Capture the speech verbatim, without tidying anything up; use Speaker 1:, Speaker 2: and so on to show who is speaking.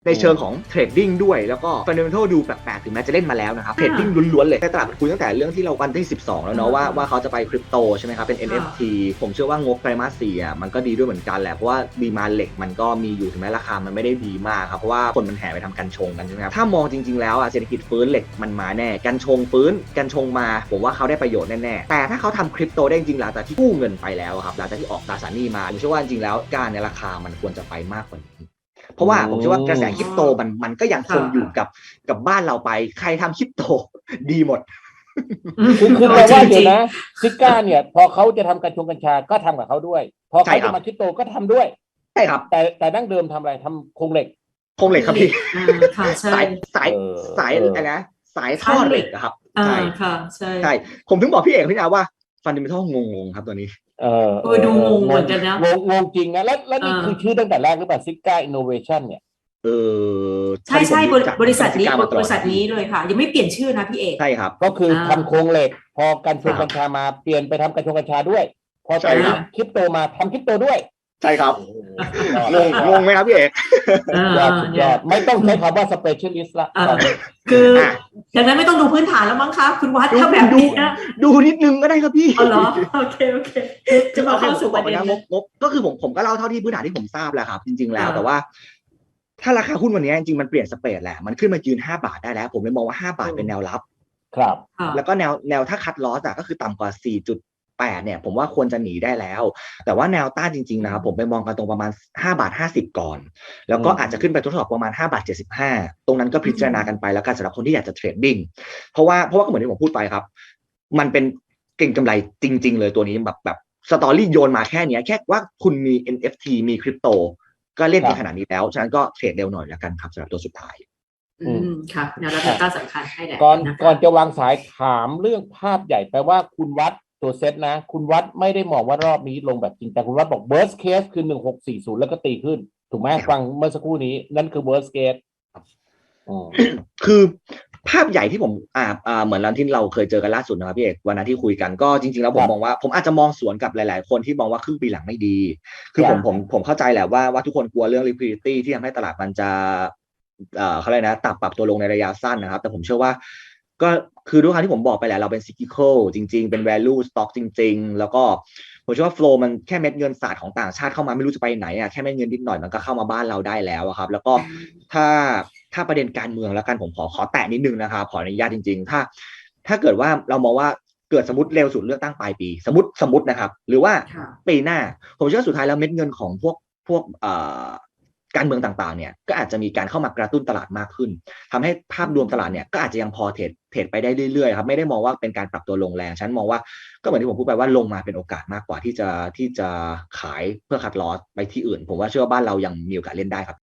Speaker 1: ในเชิงของเทรดดิ้งด้วยแล้วก็ฟันเดเมนทัลดูแปลกๆถึงแม้จะเล่นมาแล้วนะครับเทรดดิ้งล้วนๆเลยในตลาดคุยตั้งแต่เรื่องที่เราวันที่สิบสองแล้วเนาะว่าว่าเขาจะไปคริปโตใช่ไหมครับเป็น เอ็น เอฟ ที ผมเชื่อว่างบไตรมาสสี่อ่ะมันก็ดีด้วยเหมือนกันแหละเพราะว่าดีมาเหล็กมันก็มีอยู่ถึงแม้ราคามันไม่ได้ดีมากครับเพราะว่าคนมันแห่ไปทำกันชงกันใช่ไหมครับถ้ามองจริงๆแล้วอ่ะเศรษฐกิจฟื้นเหล็กมันมาแน่กันชงฟื้นกันชงมาผมว่าเขาได้ประโยชน์แน่ๆแต่ถ้าเขาทำคริปโตได้จริงหลังจากที่กู้เงินไปแล้วครับหลังจากที่ออกตราสารหนี้มาผมเชื่อว่าจริงๆแล้วการในราคามันควรจะไปมากกว่านี้เพราะว่าผมเชื่อว่ากระแสคริปโตมันมันก็ยังคงอยู่กับกับบ้านเราไปใครทำคริปโตดีหมด
Speaker 2: คือคือแปลว่าเดี๋ยวนะซิก้าเนี่ยพอเขาจะทำกัญชงกัญชาก็ทำกับเขาด้วยพอเขาจะมาคริปโตก็ทำด้วย
Speaker 1: ใช่ครับ
Speaker 2: แต่แต่ดั้งเดิมทำอะไรทำโครงเหล็ก
Speaker 1: โครงเหล็กครับพี่
Speaker 3: สาย
Speaker 1: สายสายอะไรนะสายท่อเหล็กครับ
Speaker 3: ใช่ค่ะใช่
Speaker 1: ใช่ผมถึงบอกพี่เอกพี่นาว่าฟันเดเมนทัลงงๆครับตัวนี้
Speaker 2: เออ
Speaker 3: เออดูงงเหมือนกันนะ
Speaker 2: งงงงจริงนะแล้วแล้วนี่คือชื่อตั้งแต่แรกหรือเปล่าซิก้าอินโนเวชั่นเนี่ย
Speaker 1: เออ
Speaker 3: ใช่ใช่บริษัทนี้บริษัทนี้เลยค่ะยังไม่เปลี่ยนชื่อนะพี่เอก
Speaker 1: ใช่ครับ
Speaker 2: ก็คือทำโครงเหล็กพอกัญชงกัญชามาเปลี่ยนไปทำกัญชงกัญชาด้วยพอไปคริปโตมาทำคริปโตด้วย
Speaker 1: ใช่ครับงงงงไหมครับพี่เอก
Speaker 2: ยอดยอดไม่ต้องใช้คำว่า specialist ละ
Speaker 3: คืออย่างนั้นไม่ต้องดูพื้นฐานแล้วมั้งคะคุณวัดถ้าแบบ
Speaker 1: ดูดูนิดนึงก็ได้ครับพี่
Speaker 3: อ๋อเหรอโอเคโอเคจะมาเข้าสู่ประเด็น
Speaker 1: งบก็คือผมผมก็เล่าเท่าที่พื้นฐานที่ผมทราบแหละครับจริงๆแล้วแต่ว่าถ้าราคาหุ้นวันนี้จริงๆมันเปลี่ยนสเปรดแหละมันขึ้นมายืนห้าบาทได้แล้วผมเลยมองว่าห้าบาทเป็นแนวรับ
Speaker 2: ครับ
Speaker 1: แล้วก็แนวแนวถ้าคัดลอสอ่ะก็คือต่ำกว่าสี่จุดแปดเนี่ยผมว่าควรจะหนีได้แล้วแต่ว่าแนวต้านจริงๆนะครับผมไปมองกันตรงประมาณห้าบาทห้าสิบก่อนแล้วก็อาจจะขึ้นไปทดสอบประมาณห้าบาทเจ็ดสิบห้าตรงนั้นก็พิจารณากันไปแล้วกันสำหรับคนที่อยากจะเทรดดิ้งเพราะว่าเพราะว่าก็เหมือนที่ผมพูดไปครับมันเป็นเก่งกำไรจริงๆเลยตัวนี้แบบแบบสตอรี่โยนมาแค่นี้แค่ว่าคุณมี เอ็น เอฟ ที มีคริปโตก็เล่นในขนาดนี้แล้วฉะนั้นก็เทรดเร็วหน่อยแล้วกันครับสำหรับตัวสุดท้าย
Speaker 3: อืมค่ะแนวรับต้านสำคัญให้แหละ
Speaker 2: ก่อนก่อนจะวางสายถามเรื่องภาพใหญ่แปลว่าคุณวัดตัวเซตนะคุณวัดไม่ได้มองว่ารอบนี้ลงแบบจริงแต่คุณวัดบอก worst case คือหนึ่งหกสี่ศูนย์แล้วก็ตีขึ้นถูกไหมฟังเมื่อสักครู่นี้นั่นคือ worst case
Speaker 1: คือภาพใหญ่ที่ผมอ่าอ่าเหมือนเราที่เราเคยเจอกันล่าสุดนะครับพี่เอกวันนั้นที่คุยกันก็จริงๆแล้วผมมองว่าผมอาจจะมองสวนกับหลายๆคนที่มองว่าครึ่งปีหลังไม่ดีคือผมผมผมเข้าใจแหละว่าว่าทุกคนกลัวเรื่อง liquidity ที่ทำให้ตลาดมันจะเอ่อเขาเรียกนะตับปรับตัวลงในระยะสั้นนะครับแต่ผมเชื่อว่าก็คือด้วยความที่ผมบอกไปแหละเราเป็น cyclical จริงๆเป็น value stock จริงๆแล้วก็ผมเชื่อว่า flow มันแค่เม็ดเงินศาสตร์ของต่างชาติเข้ามาไม่รู้จะไปไหนอ่ะแค่เม็ดเงินนิดหน่อยมันก็เข้ามาบ้านเราได้แล้วครับแล้วก็ถ้าถ้าประเด็นการเมืองแล้วกันผมขอขอแตะนิดนึงนะครับขออนุญาตจริงๆถ้าถ้าเกิดว่าเรามองว่าเกิดสมมติเร็วสุดเลือกตั้งปลายปีสมมติสมมตินะครับหรือว่าปีหน้าผมเชื่อสุดท้ายแล้วเม็ดเงินของพวกพวกเอ่อการเมืองต่างๆเนี่ยก็อาจจะมีการเข้ามากระตุ้นตลาดมากขึ้นทำให้ภาพรวมตลาดเนี่ยก็อาจจะยังพอเทรดเทรดไปได้เรื่อยๆครับไม่ได้มองว่าเป็นการปรับตัวลงแรงฉันมองว่าก็เหมือนที่ผมพูดไปว่าลงมาเป็นโอกาสมากกว่าที่จะที่จะขายเพื่อคัดลอสไปที่อื่นผมว่าเชื่อว่าบ้านเรายังมีโอกาสเล่นได้ครับ